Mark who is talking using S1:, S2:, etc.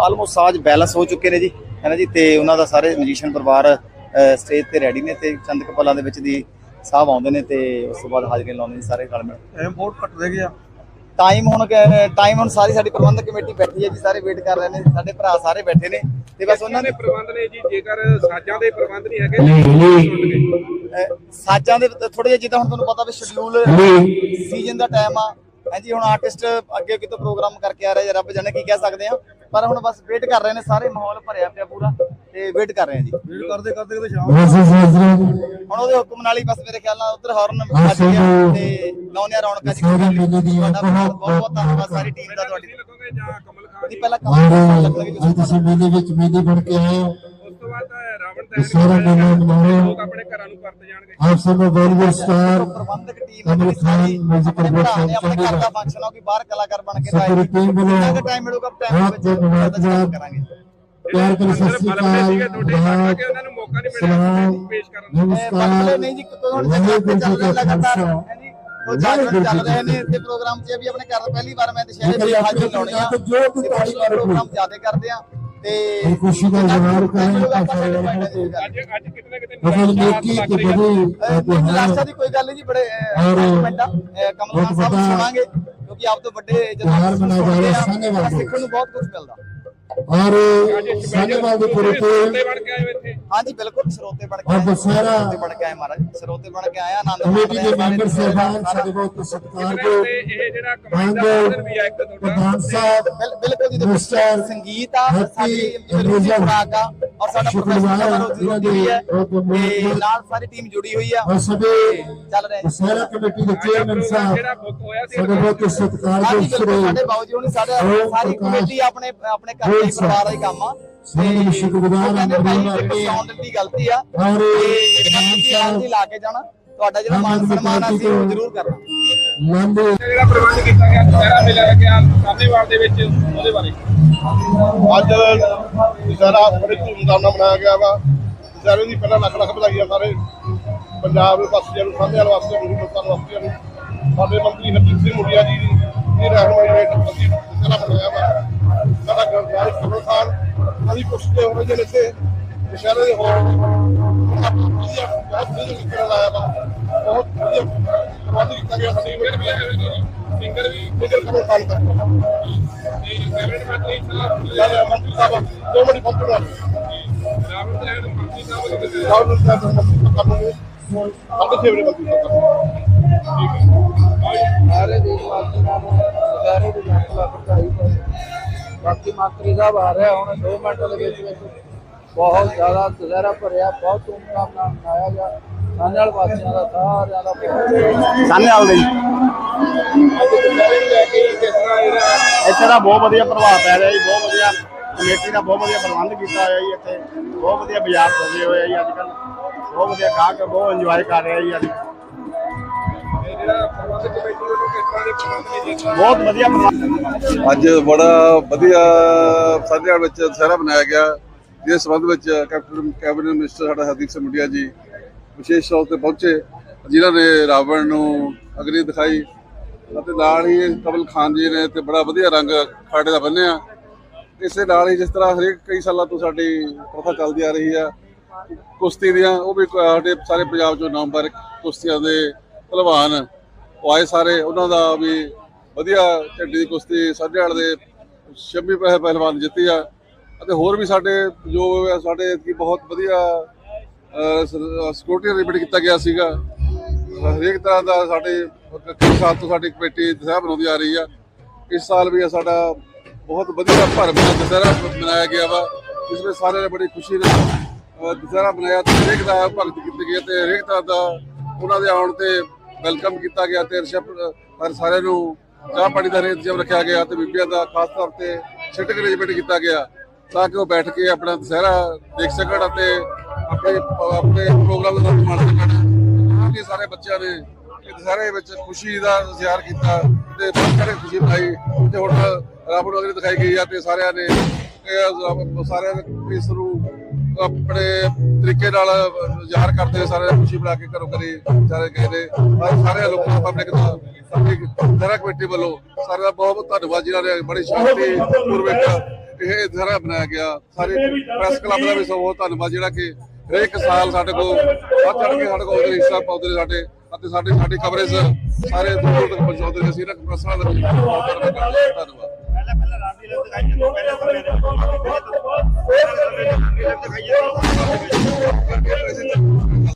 S1: Almost ਸਾਜ਼ balance ਹੋ ਚੁੱਕੇ ਨੇ ਜੀ, ਹੈ ਨਾ ਜੀ। ਤੇ ਉਹਨਾਂ ਦਾ ਸਾਰੇ ਮਜੀਸ਼ੀਅਨ ਪਰਿਵਾਰ ਸਟੇਜ ਤੇ ਰੈਡੀ ਨੇ ਤੇ ਚੰਦ ਕਪਲਾਂ ਦੇ ਵਿੱਚ ਦੀ ਸਾਹਿਬ ਆਉਂਦੇ ਨੇ ਤੇ ਉਸ ਤੋਂ ਬਾਅਦ ਹਾਜ਼ਰੀ ਲਾਉਂਦੇ ਨੇ ਸਾਰੇ ਰਲ ਮਿਲ।
S2: ਟਾਈਮ ਬਹੁਤ ਘੱਟ ਰਹਿ ਗਿਆ।
S1: ਟਾਈਮ ਹੁਣ ਸਾਰੀ ਸਾਡੀ ਪ੍ਰਬੰਧਕ ਕਮੇਟੀ ਬੈਠੀ ਹੈ ਜੀ, ਸਾਰੇ ਵੇਟ ਕਰ ਰਹੇ ਨੇ, ਸਾਡੇ ਭਰਾ ਸਾਰੇ ਬੈਠੇ ਨੇ ਤੇ ਬਸ ਉਹਨਾਂ
S3: ਦੇ ਪ੍ਰਬੰਧ ਨੇ ਜੀ। ਜੇਕਰ ਸਾਜ਼ਾਂ ਦੇ ਪ੍ਰਬੰਧ ਨਹੀਂ ਹੈਗੇ,
S1: ਸਾਜ਼ਾਂ ਦੇ ਥੋੜੇ ਜਿਹਾ ਜਿੱਦਾਂ ਹੁਣ ਤੁਹਾਨੂੰ ਪਤਾ ਵੀ ਸ਼ਡਿਊਲ ਸੀਜ਼ਨ ਦਾ ਟਾਈਮ ਆ ਹਾਂਜੀ। ਹੁਣ ਆਰਟਿਸਟ ਅੱਗੇ ਕਿਤੋਂ ਪ੍ਰੋਗਰਾਮ ਕਰਕੇ ਆ ਰਹੇ ਜਾਂ ਰੱਬ ਜਾਣੇ ਕੀ ਕਹਿ ਸਕਦੇ ਆ, ਪਰ ਹੁਣ ਬਸ ਵੇਟ ਕਰ ਰਹੇ ਨੇ, ਸਾਰੇ ਮਾਹੌਲ ਭਰਿਆ ਪਿਆ ਪੂਰਾ ਤੇ ਵੇਟ ਕਰ ਰਹੇ ਆ ਜੀ।
S2: ਵੇਟ ਕਰਦੇ ਕਰਦੇ ਕਿਤੇ ਸ਼ਾਮ
S1: ਹੁਣ ਉਹਦੇ ਹੁਕਮ ਨਾਲ ਹੀ ਬਸ ਮੇਰੇ ਖਿਆਲ ਨਾਲ ਉਧਰ ਹਾਰਨ ਵੱਜ ਗਿਆ ਤੇ ਲਾਉਣੇ ਰੌਣਕਾਂ ਜੀ। ਤੁਹਾਡਾ ਬਹੁਤ ਬਹੁਤ ਧੰਨਵਾਦ ਸਾਰੀ ਟੀਮ ਦਾ ਤੁਹਾਡੀ।
S3: ਲੱਗੋਗੇ ਜਾਂ ਕਮਲ ਖਾਨ
S1: ਜੀ ਪਹਿਲਾਂ ਕਮਲ ਲੱਗਣਗੇ
S4: ਤੁਸੀਂ ਮੇਲੇ ਵਿੱਚ ਮੇਲੇ ਬਣ ਕੇ ਆਏ ਹੋ।
S3: ਉਸ ਤੋਂ ਬਾਅਦ ਰਾਵਣ ਦਹਨ ਲੋਕ ਆਪਣੇ ਘਰਾਂ ਨੂੰ ਪਰਤ ਜਾਣਗੇ।
S4: ਆਪ ਸਭ ਨੂੰ ਬਾਲੀਵੁੱਡ ਸਟਾਰ
S1: ਪ੍ਰਬੰਧਕ ਟੀਮ
S4: ਕਮਲ ਖਾਨ ਮਿਊਜ਼ਿਕ
S1: ਆਪਣੇ ਘਰ ਦਾ ਫੰਕਸ਼ਨ ਆ ਕਿ ਬਾਹਰ ਕਲਾਕਾਰ ਬਣ ਕੇ
S4: ਸਾਰੀ ਟੀਮ ਵੱਲੋਂ
S1: ਟਾਈਮ ਮਿਲੂਗਾ ਟਾਈਮ ਵਿੱਚ ਕਰਾਂਗੇ।
S4: ਪਿਆਰ ਭਰੀ ਸਤਿ ਸ੍ਰੀ ਅਕਾਲ।
S3: ਉਹਨਾਂ ਨੂੰ ਮੌਕਾ ਨਹੀਂ ਮਿਲਿਆ ਪੇਸ਼ ਕਰਨ ਦਾ।
S4: ਨਮਸਕਾਰ।
S1: ਨਹੀਂ ਜੀ ਹੁਣ ਚੱਲ ਰਹੇ ਲਗਾਤਾਰ ਹੈ ਜੀ। ਉਹ ਚੱਲ ਰਹੇ ਨੇ ਤੇ ਪ੍ਰੋਗਰਾਮ 'ਚ ਵੀ ਆਪਣੇ ਘਰ ਪਹਿਲੀ ਵਾਰ ਮੈਂ ਦੁਸ਼ਹਿਰੇ ਦੀ ਹਾਜ਼ਰੀ ਲਾਉਣੀ ਆ, ਪ੍ਰੋਗਰਾਮ ਜ਼ਿਆਦਾ ਕਰਦੇ ਆ ਤੇ
S4: ਖੁਸ਼ੀ ਦਾ ਇਜ਼ਹਾਰ ਕरें।
S3: ਅੱਜ ਕਿਤਨੇ
S1: ਨਿਰਾਸ਼ਾ ਦੀ ਕੋਈ ਗੱਲ ਨਹੀਂ ਜੀ। ਬੜੇ ਕਮਲ ਖਾਨ ਸਾਹਿਬ ਸੁਣਾਂਗੇ ਕਿਉਂਕਿ ਆਪ ਤੋਂ ਵੱਡੇ ਜਦੋਂ ਸਿੱਖਣ ਨੂੰ ਬਹੁਤ ਕੁਝ ਮਿਲਦਾ।
S4: और सानेवाल ਦੇ ਪੁਰੇ ਤੇ
S3: ਬਣ ਕੇ ਆਏ ਇੱਥੇ।
S1: ਹਾਂਜੀ ਬਿਲਕੁਲ ਸਰੋਤੇ ਬਣ ਕੇ ਆਏ, ਸਰੋਤੇ ਬਣ ਕੇ ਆਏ ਮਹਾਰਾਜ, ਸਰੋਤੇ ਬਣ ਕੇ ਆਇਆ। ਆਨੰਦ
S4: ਕਮੇਟੀ ਦੇ ਮੈਂਬਰ ਸਾਹਿਬਾਨ ਸਾਡੇ ਬਹੁਤ ਸਤਿਕਾਰਯੋਗ
S3: ਇਹ ਜਿਹੜਾ ਕਮਾਂਡ ਦਾ ਆਰਡਰ ਵੀ ਆ ਇੱਕ ਤੁਹਾਡਾ
S4: ਪ੍ਰਧਾਨ ਸਾਹਿਬ
S1: ਬਿਲਕੁਲ ਜੀ। ਮਿਸਟਰ ਸੰਗੀਤ ਆ ਸਾਡੀ ਖੁਰਾਕ ਆ ਔਰ ਸਾਡਾ ਪ੍ਰੋਫੈਸਰ ਵੀ ਹੈ ਤੇ ਨਾਲ ਸਾਰੀ ਟੀਮ ਜੁੜੀ ਹੋਈ ਆ।
S4: और सभी
S1: ਚੱਲ ਰਹੇ
S4: ਸਾਰਾ ਕਮੇਟੀ ਦੇ ਚੇਅਰਮੈਨ ਸਾਹਿਬ
S3: ਜਿਹੜਾ ਬੁੱਕ ਹੋਇਆ ਸੀ
S4: ਸਾਡੇ ਬਹੁਤ ਸਤਿਕਾਰਯੋਗ
S1: ਸਾਡੇ ਬਾਊ ਜੀ ਹੋਣੀ ਸਾਡੇ ਸਾਰੀ ਕਮੇਟੀ ਆਪਣੇ ਆਪਣੇ ਘਰ ਦੇ ਪਰਿਵਾਰ ਦਾ ਹੀ ਕੰਮ ਆ।
S4: ਸਾਰੇ ਸ਼ੁਕਰਗੁਜ਼ਾਰ ਹਾਂ
S1: ਦੀ ਗਲਤੀ ਆ
S4: और
S1: ਜੀ ਲਾ ਕੇ ਜਾਣਾ। ਤੁਹਾਡਾ ਜਿਹੜਾ ਮਾਨ ਸਨਮਾਨ ਆ ਸੀ ਉਹ ਜ਼ਰੂਰ ਕਰਨਾ।
S4: ਲੰਬੇ
S3: ਜਿਹੜਾ ਪ੍ਰਬੰਧ ਕੀਤਾ ਗਿਆ ਦੁਸਹਿਰਾ ਮੇਲਾ ਲੱਗਿਆ ਸਾਨੇਵਾਲ ਦੇ ਵਿੱਚ, ਉਹਦੇ ਬਾਰੇ
S5: ਅੱਜ ਦੁਸਹਿਰਾ ਬੜੇ ਧੂਮਧਾਮ ਨਾਲ ਮਨਾਇਆ ਗਿਆ ਵਾ। ਦੁਸਹਿਰੇ ਦੀ ਪਹਿਲਾਂ ਲੱਖ ਲੱਖ ਵਧਾਈਆਂ ਸਾਰੇ ਪੰਜਾਬ ਦੇ ਵਾਸੀਆਂ ਨੂੰ, ਸਾਨੇਵਾਲ ਵਾਸੀਆਂ ਨੂੰ, ਹਿੰਦੁਸਤਾਨ ਵਾਸੀਆਂ ਨੂੰ। ਸਾਡੇ ਮੰਤਰੀ ਹਰਜੀਤ ਸਿੰਘ ਮੁੰਡਿਆ ਜੀ ਦੀ ਰਹਿਨੁਮਾਈ ਹੇਠ ਅਸੀਂ ਦੁਸਹਿਰਾ ਮਨਾਇਆ ਵਾ। ਸਾਡਾ ਗਰਦਾਰ ਕਮਲ ਖਾਨ ਅਸੀਂ ਪੁੱਛਦੇ ਹੋ ਰਹੇ ਜਿਹੜੇ ਇੱਥੇ ਦੁਸਹਿਰੇ ਦੇ ਹੋਰ ਬਹੁਤ ਵਧੀਆ ਨਿਕਲ ਆਇਆ ਵਾ। ਬਹੁਤ ਵਧੀਆ ਪ੍ਰਬੰਧ ਕੀਤਾ ਗਿਆ। ਸਾਡੀ ਸਿੰਗਰ ਵੀ ਕਮਲ ਖਾਨ ਦਾ
S3: ਕੈਬਨਿਟ ਮੰਤਰੀ
S5: ਮੰਤਰੀ ਸਾਹਿਬ 2 ਮਿੰਟ ਪਹੁੰਚਣਾ
S3: ਰਾਵਣ ਦਹਨ ਮੰਤਰੀ ਸਾਹਿਬ ਦੇ
S5: ਰਾਹੁਲ ਸਾਹਿਬ ਸਾਡੇ ਫੇਵਰੇਟ ਮੰਤਰੀ ਸਾਹਿਬ।
S6: ਸਾਰੇ ਦੇਸ਼ ਵਾਸੀਆਂ ਨੂੰ ਦੁਸਹਿਰੇ ਦੀ ਲੱਖ ਲੱਖ ਵਧਾਈ ਹੋਵੇ। ਬਾਕੀ ਮੰਤਰੀ ਸਾਹਿਬ ਆ ਰਿਹਾ ਹੁਣ 2 ਮਿੰਟ ਦੇ ਵਿੱਚ ਬਹੁਤ ਜ਼ਿਆਦਾ ਦੁਸਹਿਰਾ ਭਰਿਆ, ਬਹੁਤ ਧੂਮਧਾਮ ਨਾਲ ਮਨਾਇਆ ਗਿਆ। ਸਾਨੇਵਾਲ ਵਾਸੀਆਂ ਦਾ ਸਾਰਿਆਂ ਦਾ
S1: ਸਾਨੇਵਾਲ ਦੇ
S3: ਦੁਸਹਿਰੇ ਨੂੰ ਲੈ ਕੇ ਕਿਸ ਤਰ੍ਹਾਂ
S1: ਇੱਥੇ ਦਾ ਬਹੁਤ ਵਧੀਆ ਪ੍ਰਭਾਵ ਪੈ ਰਿਹਾ ਜੀ। ਬਹੁਤ ਵਧੀਆ ਕਮੇਟੀ ਦਾ ਬਹੁਤ ਵਧੀਆ ਪ੍ਰਬੰਧ ਕੀਤਾ ਹੋਇਆ ਜੀ। ਇੱਥੇ ਬਹੁਤ ਵਧੀਆ ਬਾਜ਼ਾਰ ਸਜੇ ਹੋਏ ਆ ਜੀ। ਅੱਜ ਕੱਲ੍ਹ ਬਹੁਤ ਵਧੀਆ ਗਾਹਕ ਬਹੁਤ ਇੰਜੋਏ ਕਰ ਰਿਹਾ ਜੀ। ਅੱਜ
S3: ਜਿਹੜਾ ਪ੍ਰਬੰਧ ਕਮੇਟੀ ਵੱਲੋਂ ਕਿਸ ਤਰ੍ਹਾਂ ਦੇ ਪ੍ਰਬੰਧ ਨੇ ਜੀ?
S1: ਬਹੁਤ ਵਧੀਆ ਪ੍ਰਬੰਧ।
S7: ਅੱਜ ਬੜਾ ਵਧੀਆ ਸਾਨੇਵਾਲ ਵਿੱਚ ਦੁਸਹਿਰਾ ਮਨਾਇਆ ਗਿਆ, ਜਿਸ ਸੰਬੰਧ ਵਿੱਚ ਕੈਬਨਿਟ ਮਿਨਿਸਟਰ ਸਾਡਾ ਹਰਦੀਪ ਸਿੰਘ ਮੁੰਡਿਆ ਜੀ ਵਿਸ਼ੇਸ਼ ਤੌਰ ਤੇ ਪਹੁੰਚੇ, ਜਿਨ੍ਹਾਂ ਨੇ ਰਾਵਣ ਨੂੰ ਅਗਨੀ ਦਿਖਾਈ ਅਤੇ ਨਾਲ ਹੀ ਕਮਲ ਖਾਨ ਜੀ ਨੇ ਤੇ ਬੜਾ ਵਧੀਆ ਰੰਗ ਖਾੜੇ ਦਾ ਬੰਨਿਆ। ਇਸੇ ਨਾਲ ਹੀ ਜਿਸ ਤਰ੍ਹਾਂ ਹਰੇਕ ਕਈ ਸਾਲਾਂ ਤੋਂ ਸਾਡੀ ਪ੍ਰਥਾ ਚੱਲਦੀ ਆ ਰਹੀ ਆ ਕੁਸ਼ਤੀ ਦੀਆਂ, ਉਹ ਵੀ ਸਾਡੇ ਸਾਰੇ ਪੰਜਾਬ ਚੋਂ ਨਵੰਬਰ ਕੁਸ਼ਤੀਆਂ ਦੇ ਪਹਿਲਵਾਨ ਉਹ ਆਏ ਸਾਰੇ, ਉਹਨਾਂ ਦਾ ਵੀ ਵਧੀਆ ਝੰਡੀ ਦੀ ਕੁਸ਼ਤੀ ਸਾਨੇਵਾਲ ਦੇ 26 ਪਹਿਲਵਾਨ ਜਿੱਤੀ ਆ। ਅਤੇ ਹੋਰ ਵੀ ਸਾਡੇ ਜੋ ਸਾਡੇ ਕੀ ਬਹੁਤ ਵਧੀਆ ਸਿਕਿਉਰਿਟੀ ਅਰੇਂਜਮੈਂਟ ਕੀਤਾ ਗਿਆ ਸੀਗਾ। ਹਰੇਕ ਤਰ੍ਹਾਂ ਦਾ ਸਾਡੇ ਕਈ ਸਾਲ ਤੋਂ ਸਾਡੀ ਕਮੇਟੀ ਦੁਸਹਿਰਾ ਬਣਾਉਂਦੀ ਆ ਰਹੀ ਆ। ਇਸ ਸਾਲ ਵੀ ਸਾਡਾ ਬਹੁਤ ਵਧੀਆ ਭਰਵਾਂ ਦੁਸਹਿਰਾ ਮਨਾਇਆ ਗਿਆ ਵਾ, ਜਿਸ ਵਿੱਚ ਸਾਰਿਆਂ ਨੇ ਬੜੀ ਖੁਸ਼ੀ ਨਾਲ ਦੁਸਹਿਰਾ ਮਨਾਇਆ ਤੇ ਹਰੇਕ ਦਾ ਭਗਤ ਕੀਤੀ ਗਈ ਤੇ ਹਰੇਕ ਤਰ੍ਹਾਂ ਦਾ ਉਹਨਾਂ ਦੇ ਆਉਣ ਤੇ ਵੈਲਕਮ ਕੀਤਾ ਗਿਆ ਤੇ ਰਿਸੈਪਸ਼ਨ ਸਾਰਿਆਂ ਨੂੰ ਚਾਹ ਪਾਣੀ ਦਾ ਇੰਤਜ਼ਾਮ ਰੱਖਿਆ ਗਿਆ ਤੇ ਬੀਬੀਆਂ ਦਾ ਖਾਸ ਤੌਰ ਤੇ ਸਿਟਿੰਗ ਅਰੇਂਜਮੈਂਟ ਕੀਤਾ ਗਿਆ ਤਾਂ ਕਿ ਉਹ ਬੈਠ ਕੇ ਆਪਣਾ ਦੁਸਹਿਰਾ ਦੇਖ ਸਕਣ ਅਤੇ ਆਪਣੇ ਪ੍ਰੋਗਰਾਮ ਦਾ ਮਾਣ ਸਕਣ। ਸਾਰੇ ਬੱਚਿਆਂ ਨੇ ਦੁਸਹਿਰੇ ਵਿੱਚ ਖੁਸ਼ੀ ਦਾ ਇਜ਼ਹਾਰ ਕੀਤਾ ਤੇ ਬਹੁਤ ਸਾਰੇ ਖੁਸ਼ੀ ਮਨਾਈ ਤੇ ਹੁਣ ਰਾਵਣ ਅਗਨੀ ਦਿਖਾਈ ਗਈ ਆ ਤੇ ਸਾਰਿਆਂ ਨੇ ਇਸ ਨੂੰ ਆਪਣੇ ਤਰੀਕੇ ਨਾਲ ਜ਼ਾਹਰ ਕਰਦੇ ਸਾਰੇ ਖੁਸ਼ੀ ਬਣਾ ਕੇ ਘਰੋਂ ਘਰੀ ਸਾਰੇ ਗਏ ਨੇ। ਸਾਰੇ ਲੋਕਾਂ ਪਬਲਿਕ ਦਾ ਦੁਸਹਿਰਾ ਕਮੇਟੀ ਵੱਲੋਂ ਸਾਰਿਆਂ ਦਾ ਬਹੁਤ ਬਹੁਤ ਧੰਨਵਾਦ, ਜਿਨ੍ਹਾਂ ਨੇ ਬੜੀ ਸ਼ਾਂਤੀ ਪੂਰਵਕ ਇਹ ਦੁਸਹਿਰਾ ਮਨਾਇਆ ਗਿਆ। ਸਾਰੇ ਪ੍ਰੈਸ ਕਲੱਬ ਦਾ ਵੀ ਬਹੁਤ ਧੰਨਵਾਦ ਜਿਹੜਾ ਕਿ ਹਰੇਕ ਸਾਲ ਸਾਡੇ ਕੋਲ ਵੱਧ ਚੜ ਕੇ ਸਾਡੇ ਕੋਲ ਹਿੱਸਾ ਪਾਉਂਦੇ ਨੇ ਸਾਡੇ ਅਤੇ ਸਾਡੀ ਕਵਰੇਜ ਸਾਰੇ ਦੂਰ ਦੂਰ ਤੱਕ ਪਹੁੰਚਾਉਂਦੇ ਨੇ। ਅਸੀਂ ਪ੍ਰੈਸ ਵਾਲਿਆਂ ਦਾ ਵੀ ਬਹੁਤ ਧੰਨਵਾਦ।